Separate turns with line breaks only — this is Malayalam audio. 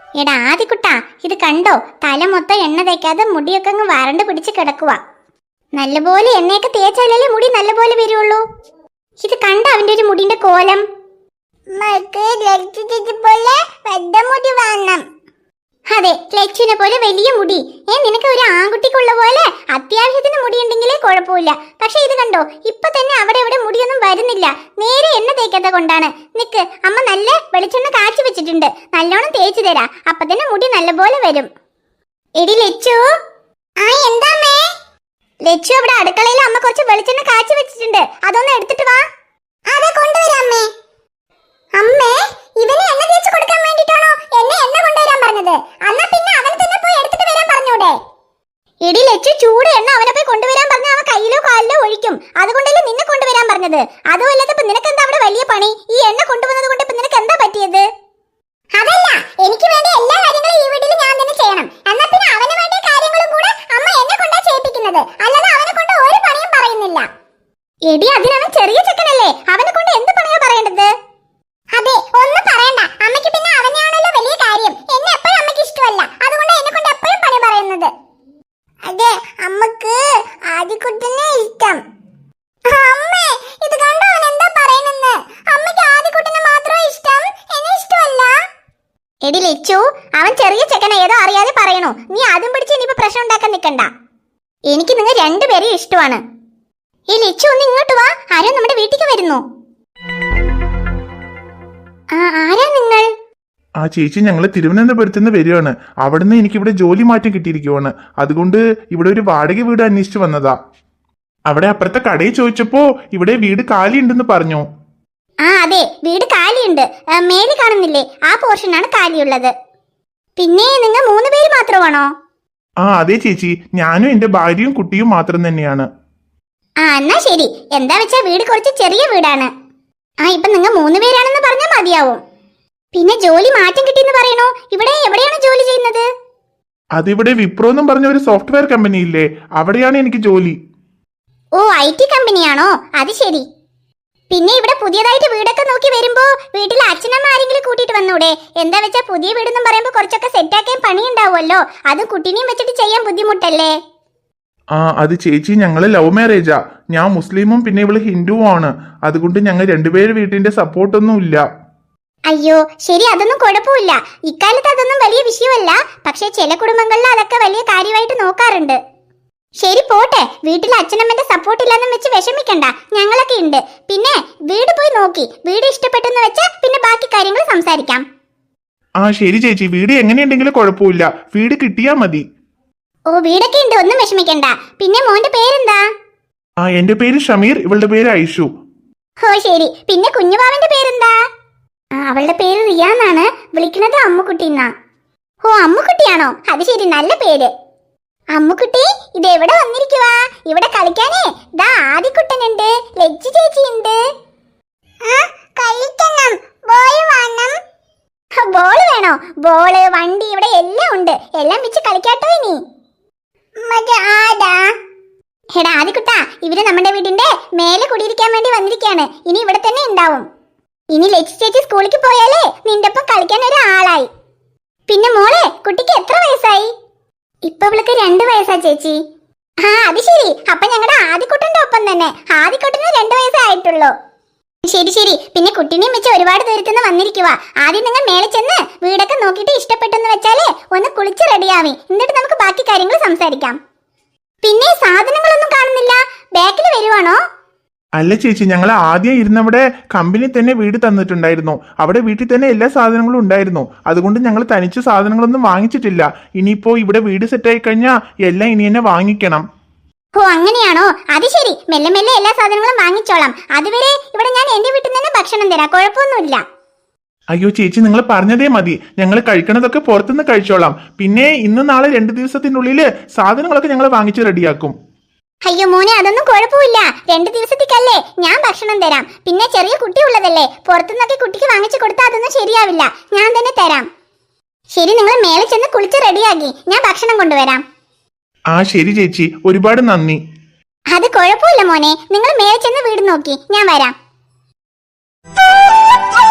എടാ ആദിക്കുട്ടാ, ഇത് കണ്ടോ? തല മൊത്തം എണ്ണ തേക്കാതെ മുടിയൊക്കെ അങ്ങ് വരണ്ട് പിടിച്ച് കിടക്കുക. നല്ലപോലെ എണ്ണയൊക്കെ തേച്ചാലല്ലേ മുടി നല്ലപോലെ വരുള്ളൂ. ഇത് കണ്ട അവന്റെ ഒരു മുടിന്റെ കോലം. അതെ, ലച്ചുവിനെ പോലെ വലിയ മുടി. നിനക്ക് ഒരു ആൺകുട്ടിക്കുള്ള പോലെ അത്യാവശ്യത്തിന് മുടി ഉണ്ടെങ്കിലേ കുഴപ്പമില്ല. പക്ഷെ ഇത് കണ്ടോ, ഇപ്പൊ തന്നെ അവിടെ ഇവിടെ മുടിയൊന്നും വരുന്നില്ല. നേരെ എണ്ണ തേക്കാത്ത കൊണ്ടാണ്. നിക്ക്, അമ്മ നല്ല വെളിച്ചെണ്ണ കാച്ചി വെച്ചിട്ടുണ്ട്, നല്ലോണം തേച്ചു തരാ. അപ്പൊ തന്നെ മുടി നല്ലപോലെ വരും. എടി ലച്ചു. എന്താമേ? ലച്ചു, അവിടെ അടുക്കളയിൽ അമ്മ കുറച്ച് വെളിച്ചെണ്ണ കാച്ചി വെച്ചിട്ടുണ്ട്, അതൊന്ന് എടുത്തിട്ട് വാ. അതെ, കൊണ്ടുവരാമേ. അമ്മേ, ഇവനെ എണ്ണ തേച്ച് കൊടുക്കാൻ വേണ്ടിട്ടാണോ എന്നെ എണ്ണ കൊണ്ടുവരാൻ പറഞ്ഞത്? എന്നാ പിന്നെ അവനെ തന്നെ പോയി എടുത്തിട്ട് വരാൻ പറഞ്ഞൂടെ? എടി ലച്ചു, ചൂട് എണ്ണ അവനെ പോയി കൊണ്ടുവരാൻ പറഞ്ഞ അവൻ കയ്യിലോ കാലിലോ ഒഴിക്കും. അതുകൊണ്ടല്ലേ നിന്നെ കൊണ്ടുവരാൻ പറഞ്ഞത്. അതുമല്ലാതെ ഇപ്പൊ നിനക്ക് എന്താ അവിടെ വലിയ പണി? ഈ എണ്ണ കൊണ്ടുവന്നത് കൊണ്ട് ഇപ്പൊ നിനക്ക് എന്താ പറ്റിയത്? അതല്ല, എനിക്ക് വേണ്ട എല്ലാ കാര്യങ്ങളും ഈ വീട്ടിൽ ഞാൻ തന്നെ ചെയ്യണം. എന്നാ പിന്നെ അവന് വേണ്ട കാര്യങ്ങളും കൂടെ അമ്മ എന്നെ കൊണ്ടാ ചെയ്യിപ്പിക്കുന്നത്. അല്ലാതെ അവനെ കൊണ്ട് ഒരു പണിയും പറയുന്നില്ല. എടി, അതിനവൻ ചെറിയ ചെക്കനല്ലേ, അവനെ കൊണ്ട് എന്ത് പണിയാ പറയേണ്ടത്? അതെ, ഒന്നും പറയണ്ട. അമ്മയ്ക്ക് പിന്നെ അവനെയാണല്ലോ വലിയ കാര്യം. എന്നെ എപ്പോഴും അമ്മയ്ക്ക് ഇഷ്ടമല്ല, അതുകൊണ്ട് എന്നെ കൊണ്ട് എപ്പോഴും പണി പറയുന്നത്. അതെ, അമ്മക്ക് ആദിക്കുട്ടനെ ഇഷ്ടം. അമ്മേ, ഇത് കണ്ടോ അവൻ എന്താ പറയുന്നെന്ന്? അമ്മയ്ക്ക് ആദിക്കുട്ടനെ മാത്രം ഇഷ്ടം, എന്നെ ഇഷ്ടമല്ല. എടി ലച്ചു, അവൻ ചെറിയ ചെക്കന, ഏതോ അറിയാതെ പറയണോ. നീ ആദ്യം പിടിച്ച് ഇനിയിപ്പോ പ്രശ്നം ഉണ്ടാക്കാൻ നിൽക്കണ്ട. എനിക്ക് നിങ്ങൾ രണ്ടുപേരെയും ഇഷ്ടമാണ്. ഈ ലച്ചു, ഒന്ന് ഇങ്ങോട്ട് വാ. ആരോ നമ്മുടെ വീട്ടിലേക്ക് വരുന്നു. ആരാ നിങ്ങൾ?
ആ ചേച്ചി, ഞങ്ങൾ തിരുവനന്തപുരത്ത് നിന്ന് വരികയാണ്. അവിടുന്ന് എനിക്കിവിടെ ജോലി മാറ്റം കിട്ടിയിരിക്കുവാണ്. അതുകൊണ്ട് ഇവിടെ ഒരു വാടക വീട് അന്വേഷിച്ചു വന്നതാ. അവിടെ അപ്പുറത്തെ കടയിൽ ചോദിച്ചപ്പോ ഇവിടെ വീട് കാലി ഉണ്ടെന്ന് പറഞ്ഞു.
അതെ, വീട് കാലിയുണ്ട്. മേലെ കാണുന്നില്ലേ, ആ പോർഷനാണ് കാലിയുള്ളത്. പിന്നെ നിങ്ങൾ 3 പേര് മാത്രമാണോ?
അതെ ചേച്ചി, ഞാനും എന്റെ ഭാര്യയും കുട്ടിയും മാത്രം തന്നെയാണ്.
എന്നാ ശരി. എന്താ വെച്ചാ വീട് കുറച്ച് ചെറിയ വീടാണ്. ഇപ്പൊ നിങ്ങൾ 3 പേരാണെന്ന് പറഞ്ഞാൽ മതിയാവും. പിന്നെ ജോലി മാറ്റം കിട്ടിയെന്ന് പറയണോ? ഇവിടെ എവിടെയാണ് ജോലി ചെയ്യുന്നത്?
അതിവിടെ വിപ്രോ എന്നും പറഞ്ഞ ഒരു സോഫ്റ്റ്വെയർ കമ്പനി ഇല്ലേ, അവിടെയാണ് എനിക്ക് ജോലി.
ഓ, IT കമ്പനിയാണോ? അത് ശരി. പിന്നെ ഇവിടെ പുതിയതായിട്ട് വീടൊക്കെ നോക്കി വരുമ്പോ വീട്ടിൽ അച്ഛനമ്മ ആരെങ്കിലും കൂട്ടിയിട്ട് വന്നൂടെ? എന്താ വെച്ചാ പുതിയ വീടെന്നും പറയുമ്പോ കുറച്ചൊക്കെ സെറ്റാക്കാൻ പണിയുണ്ടാവുമല്ലോ. അത് കുട്ടീനെയും വെച്ചിട്ട് ചെയ്യാൻ ബുദ്ധിമുട്ടല്ലേ?
അത് ചേച്ചി, ഞങ്ങള് ലവ് മാരേജാ. ഞാൻ മുസ്ലിമും പിന്നെ ഇവള് ഹിന്ദുവും ആണ്. അതുകൊണ്ട് ഞങ്ങൾ രണ്ടുപേരും വീട്ടിന്റെ സപ്പോർട്ടൊന്നും ഇല്ല.
അയ്യോ ശരി, അതൊന്നും കുഴപ്പമില്ല. ഇക്കാലത്ത് അതൊന്നും വലിയ വിഷയമല്ല. പക്ഷെ ചില കുടുംബങ്ങളിൽ അതൊക്കെ വലിയ കാര്യമായിട്ട് നോക്കാറുണ്ട്. ശരി പോട്ടെ, വീട്ടിൽ അച്ഛനമ്മന്റെ സപ്പോർട്ട് ഇല്ലെന്നും വെച്ച് വിഷമിക്കണ്ട, ഞങ്ങളൊക്കെ ഉണ്ട്. പിന്നെ വീട് പോയി നോക്കി, വീട് ഇഷ്ടപ്പെട്ടെന്ന് വെച്ചാ പിന്നെ ബാക്കി കാര്യങ്ങൾ സംസാരിക്കാം.
ശരി ചേച്ചി, വീട് എങ്ങനെയുണ്ടെങ്കിലും കുഴപ്പമില്ല, വീട് കിട്ടിയാ മതി.
ഓ, വീടൊക്കെ ഉണ്ട്, ഒന്നും വിഷമിക്കണ്ട. പിന്നെ മോന്റെ പേരെന്താ?
എന്റെ പേര് ഷമീർ, ഇവളുടെ പേര് ഐഷു.
ഓ ശരി. പിന്നെ കുഞ്ഞുവാവന്റെ പേരെന്താ? അവളുടെ പേര് റിയ എന്നാണ്. വിളിക്കുന്നത് അമ്മുക്കുട്ടി എന്നാ. ഓ, അമ്മുക്കുട്ടിയാണോ? അത് ശരി, നല്ല പേര്. അമ്മുക്കുട്ടി, ഇത് എവിടെ വന്നിരിക്കുവാ? ഇവിടെ കളിക്കാനേ ദാ ആദിക്കുട്ടനുണ്ട്, ലജ്ജി ചേച്ചി ഉണ്ട്. ബോള് വേണോ? ബോള്, വണ്ടി, ഇവിടെ എല്ലാം ഉണ്ട്. എല്ലാം വെച്ച് കളിക്കാട്ടോ ഇനി. എടാ ആദിക്കുട്ടാ, ഇവര് നമ്മുടെ വീടിന്റെ മേലെ കുടിയിരിക്കാൻ വേണ്ടി വന്നിരിക്കാണ്. ഇനി ഇവിടെ തന്നെ ഉണ്ടാവും. ഇനി ലക്ഷി ചേച്ചി സ്കൂളിലേക്ക് പോയാലേ നിന്റെ ഒപ്പം കളിക്കാൻ ഒരാളായി. പിന്നെ മോളെ, കുട്ടിക്ക് എത്ര വയസ്സായി? ഇപ്പൊ ഇവൾക്ക് 2 വയസ്സാ ചേച്ചി. അത് ശരി. അപ്പൊ ഞങ്ങളുടെ ആദിക്കുട്ടന്റെ ഒപ്പം തന്നെ. ആദിക്കുട്ടന് 2 വയസ്സേ ആയിട്ടുള്ളൂ. ശരി ശരി. പിന്നെ കുട്ടീനെയും വെച്ച് ഒരുപാട് ദൂരത്തുനിന്ന് വന്നിരിക്കുക. ആദ്യം നിങ്ങൾ മേലെ ചെന്ന് വീടൊക്കെ നോക്കിയിട്ട് ഇഷ്ടപ്പെട്ടെന്ന് വെച്ചാലേ ഒന്ന് കുളിച്ച് റെഡിയാവി. എന്നിട്ട് നമുക്ക് ബാക്കി കാര്യങ്ങൾ സംസാരിക്കാം. പിന്നെ സാധനങ്ങളൊന്നും കാണുന്നില്ല, ബാക്കിൽ വരുവാണോ?
അല്ല ചേച്ചി, ഞങ്ങൾ ആദ്യം ഇരുന്നവിടെ കമ്പനി തന്നെ വീട് തന്നിട്ടുണ്ടായിരുന്നു. അവിടെ വീട്ടിൽ തന്നെ എല്ലാ സാധനങ്ങളും ഉണ്ടായിരുന്നു. അതുകൊണ്ട് ഞങ്ങൾ തനിച്ച് സാധനങ്ങളൊന്നും വാങ്ങിച്ചിട്ടില്ല. ഇനിയിപ്പോ ഇവിടെ വീട് സെറ്റായി കഴിഞ്ഞാൽ എല്ലാം ഇനി തന്നെ വാങ്ങിക്കണം.
ഓ അങ്ങനെയാണോ? അത് ശരി. മെല്ലെ മെല്ലെ എല്ലാ സാധനങ്ങളും വാങ്ങിച്ചോളാം. അതുവരെ ഇവിടെ ഞാൻ എന്റെ വീട്ടിൽ നിന്ന് ഭക്ഷണം തരാം, കുഴപ്പമൊന്നുമില്ല.
അയ്യോ ചേച്ചി, നിങ്ങൾ പറഞ്ഞതേ മതി. ഞങ്ങൾ കഴിക്കണതൊക്കെ പുറത്തുനിന്ന് കഴിച്ചോളാം. പിന്നെ ഇന്ന് നാളെ 2 ദിവസത്തിനുള്ളിൽ സാധനങ്ങളൊക്കെ ഞങ്ങൾ വാങ്ങിച്ച് റെഡിയാക്കും.
അയ്യോ മോനെ, അതൊന്നും കുഴപ്പമില്ല. 2 ദിവസത്തേക്കല്ലേ ഞാൻ ഭക്ഷണം തരാം. പിന്നെ ചെറിയ കുട്ടി ഉള്ളതല്ലേ, പുറത്തുനിന്നൊക്കെ കുട്ടിക്ക് വാങ്ങിച്ചു കൊടുത്താൽ അതൊന്നും ശരിയാവില്ല. ഞാൻ തന്നെ തരാം. ശരി, നിങ്ങൾ മേലെ ചെന്ന് കുളിച്ച് റെഡിയാക്കി, ഞാൻ ഭക്ഷണം കൊണ്ടുവരാം.
ശരി ചേച്ചി, ഒരുപാട് നന്ദി.
അത് കുഴപ്പമില്ല മോനെ, നിങ്ങൾ മേലെ ചെന്ന് വീട് നോക്കി, ഞാൻ വരാം.